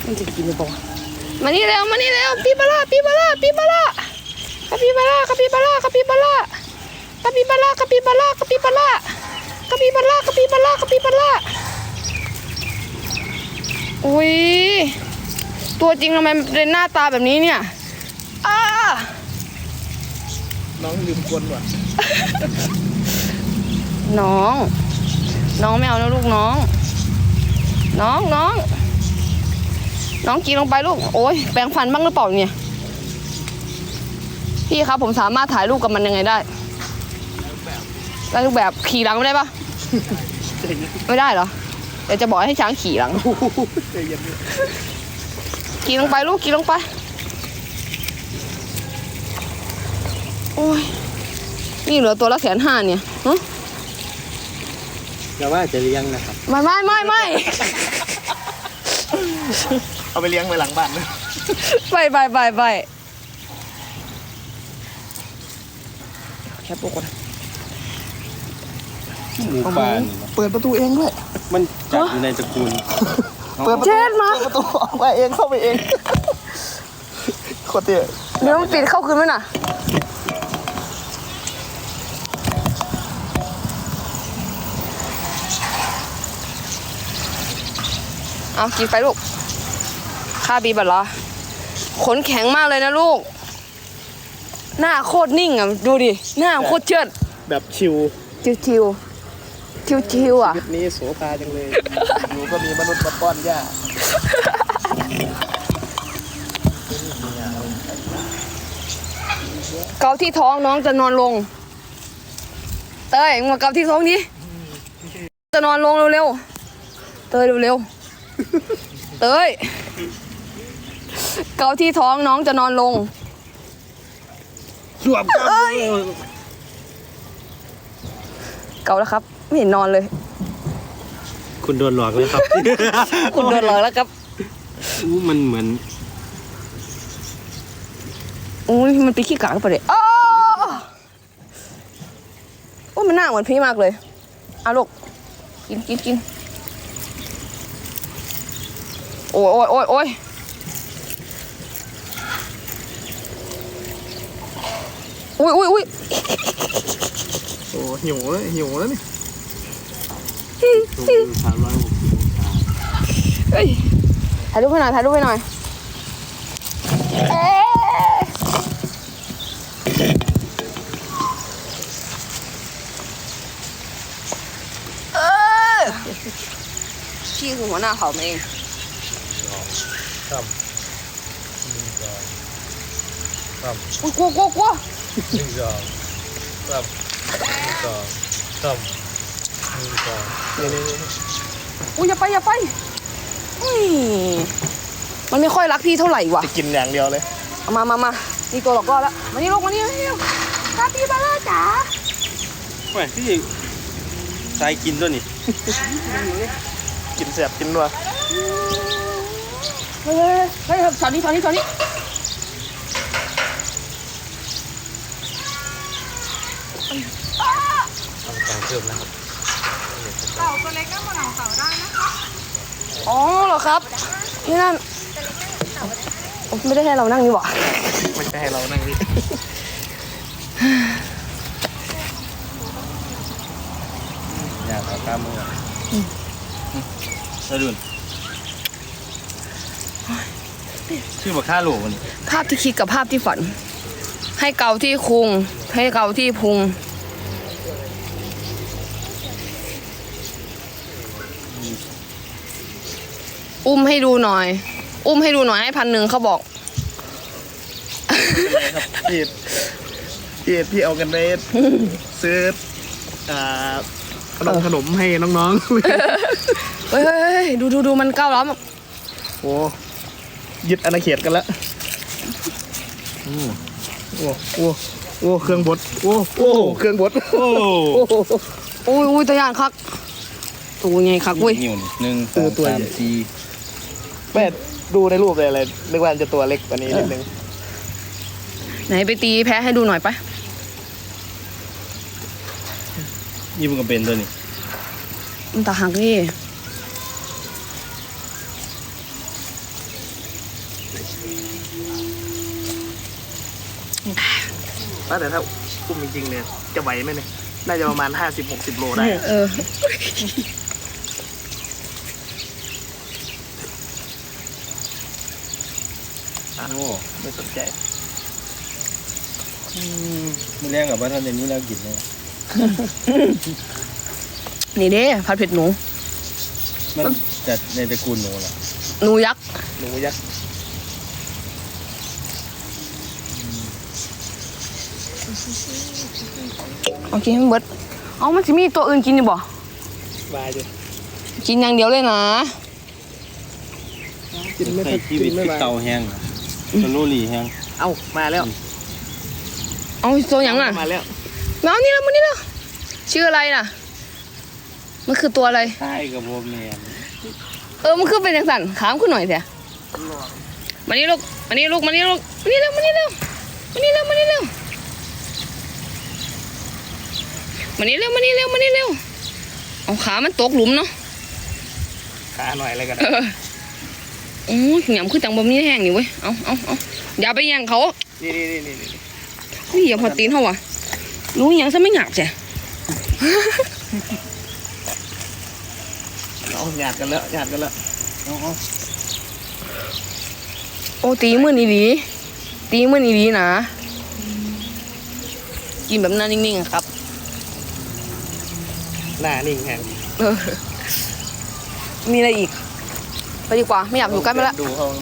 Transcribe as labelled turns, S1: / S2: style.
S1: มันจะกินหรือเปล่ามานี่เร็วปีบาร่าปีบาร่าปีบาร่าคาปิบาร่าคาปิบาร่าคาปิบาร่าคาปิบาร่าคาปิบาร่าคาปิบาร่าคาปิบาร่าคาปิบาร่าคาปิบาร่าอุ้ยตัวจริงทำไมเป็นหน้าตาแบบนี้เนี่ย
S2: น้องลืมกวนว่ะ
S1: น้องไม่เอานะลูกน้องกินลงไปลูกโอ้ยแปรงฟันบ้างหรือเปล่าเนี่ยพี่ครับผมสามารถถ่ายรูปกับมันยังไงได้รูปแบบขี่หลังไม่ได้ปะไม่ได้เหรอเดี๋ยวจะบอกให้ช้างขี่หลังขี่ลงไปลูกขี่ลงไปโอ้ยนี่เหลือตัวละ150,000เนี่ย
S2: อย่าว่าจะเลี้ยงนะครับ
S1: ไม่
S2: เอาไปเลี้ยงไว้หลังบ้านนะ
S1: ไปแค่ปุ๊กก่อน
S2: หมูป่า
S1: เปิดประตูเองด้วย
S2: มันจัดอยู่ในตระกูล
S1: เปิดประตูออกมาเองเข้าไปเอง
S2: โคตรเตี้ย
S1: เดี๋ยวมันปิดเข้าคืนไหมน่ะเอากินไปลูกคาปิบาร่าขนแข็งมากเลยนะลูกหน้าโคตรนิ่งอ่ะดูดิหน้าโคตรเชิด
S2: แบบชิว
S1: อ่ะ
S2: นี้โสภาจังเลยอยู่ก็มีมนุษย์มาป้อนหญ้า
S1: เกาที่ท้องน้องจะนอนลงเต้ยมาเกาที่ท้องดิจะนอนลงเร็วๆเต้ยเร็วๆเต้ยเกาที่ท้องน้องจะนอนลง
S2: สวม
S1: เกาแล้วครับไม่เห็นนอนเลย
S2: คุณโดนหลอกเลยครับ
S1: คุณโดนหลอกแล้วครับ
S2: มันเหมือน
S1: อุ้ยมันไปขี้กากไปเลยโอ้มันหน้าเหมือนพี่มากเลยเอาลูกกินโอ้ยโอ้ย
S2: โอ้หิวแล้วนี่
S1: เฮ้ยถ่ายรูปให้หน่อยพี่คือหัวหน้าเขาเอง
S2: ครับ
S1: อุ้ยกลัว
S2: ครับครับ
S1: อุ้ยอย่าไปมันไม่ค่อยรักพี่เท่าไหร่ว่ะ
S2: จะกินอย่างเดียวเลย
S1: มานี่ตัวหลอกล่อแล้วมานี่ลูกมานี่คาปิบาร่าจ๋า
S2: แหวที่ใส่กินด้วยนี่กินแสบกินนัว
S1: เฮ้ยสอนนี้ทำการ
S2: เพิ่มนะครับ
S3: เต่าตัวเล็กก็มาหนังเต่าได้นะคะ
S1: อ๋อเหรอครับนี่นั่นไม่ได้ให้เรานั่งนี่หว่า
S2: ไม่ใช่ให้เรานั่งนี่อยากเอาตามมือสะดุนชื่อว่าค่าโหลมัน
S1: ภาพที่คิดกับภาพที่ฝันให้เกาที่คุงให้เกาที่พุงอุ้มให้ดูหน่อยให้1,000เขาบอก
S2: พี่เอากันไปซื้อขนมให้น้อง
S1: ๆเฮ้ยดูมันก้าวล้อม
S2: โอ้ยึดอาณาเขตกันแล้วโอ้เครื่องบดโอ้เครื่องบด
S1: โอ้ยตัวอย่างคักตัวไงคักเว้ย
S2: 1 2 3 4แม่ดูในรูปเลยอะไรนึกว่าจะตัวเล็กกว่านี้นิดนึง
S1: ไหนไปตีแพ้ให้ดูหน่อยปะ
S2: นี่มันก็เป็นตัวนี้
S1: มันตาหักนี่
S4: ว่าแต่ถ้าอุ้มจริงๆเนี่ยจะไหวไหมเนี่ยน่าจะประมาณ50-60 โลได้
S1: เออ
S2: โอ้
S4: ไม่สนใจ
S2: ไม่แรงกับว่าท่านอย่างนี้แล้วกินเลย
S1: นี่เด้ผัดเผ็ดหนู
S2: มันจัดในตระกูลหนูเหรอ
S1: หนูยักษ์
S4: หนูยักษ์
S1: เอากินให้มันเบิดเอามันจะมีตัวอื่นกินอยู่บ่
S4: บายดิ
S1: กินอย่างเดียวเลยนะ
S4: กินไม่
S2: ใส่ชีวิต
S4: ไม่
S2: คือ
S4: บาย
S2: เตาแห้งอะสโลลี่แห้ง
S4: เอ้ามาแล้ว
S1: เอาตัวอย่างอ่ะ
S4: มาแล้ว
S1: มานี่แล้วมานี่แล้วชื่ออะไรน่ะ มันคือตัวอะไร
S2: ใช่กับโบแมน
S1: มันคือเป็นจังสันขามขึ้นหน่อยเถอะมานี่ลูกมานี่ลูกมานี่ลูกมานี่เร็วมานี่เร็วมานี่เร็วมานี่เร็วมานี่เร็วมานี่เร็วมานี่เร็วเอาขามันตกหลุมเนาะ
S4: ขาหน่อยอะไรกัน
S1: โอ้ยหยำคือจังบะหมี่แห้งนี่เว้ยเอาอย่าไปแย่งเขา
S4: นี่
S1: เฮ้ยอย่าพอตีนเขาว่ะรู้ยังซะไม่หยาบจ้ะ
S4: เอาหยาดกันแล้วหยาดกันแล้ว
S1: โอ้ตีมือนี่ดีตีมือนี่ดีนะกินแบบนั้นนิ่งๆอะครับ
S4: หน้านิ่งแฮง
S1: มีอะไรอีก ไปดีกว่าไม่อยากอยู่ใกล้มาละ
S4: ดูเขา